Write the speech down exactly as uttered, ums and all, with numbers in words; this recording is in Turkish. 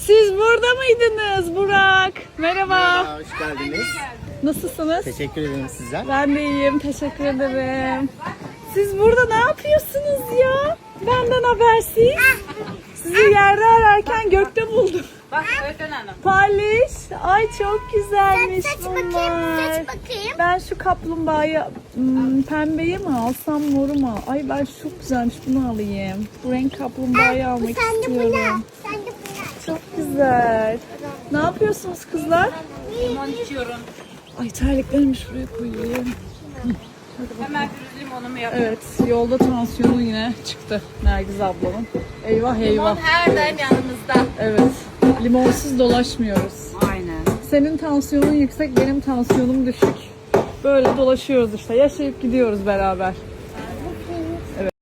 Siz burada mıydınız Burak? Merhaba. Merhaba, hoş geldiniz. Nasılsınız? Teşekkür ederim sizler. Ben de iyiyim. Teşekkür ederim. Siz burada ne yapıyorsunuz ya? Benden habersiz. Sizi yerde ararken gökte buldum. Bak Öğretmen Hanım. Paliş. Ay çok güzelmiş Seç bunlar. bakayım, seç bakayım. Ben şu kaplumbağayı hmm, pembeyi mi alsam moru mu? Ay ben çok güzelmiş bunu alayım. Bu renk kaplumbağayı Bu almak sen de bunu al. istiyorum. Sen de bunu al. Çok güzel. Ne yapıyorsunuz kızlar? Limon içiyorum. Ay terliklerimi şuraya koyayım. Hemen bir limonumu yapıyorum. Evet yolda tansiyonu yine çıktı Nergiz ablamın. Eyvah eyvah. Limon her daim yanımızda. Evet limonsuz dolaşmıyoruz. Aynen. Senin tansiyonun yüksek benim tansiyonum düşük. Böyle dolaşıyoruz işte yaşayıp gidiyoruz beraber.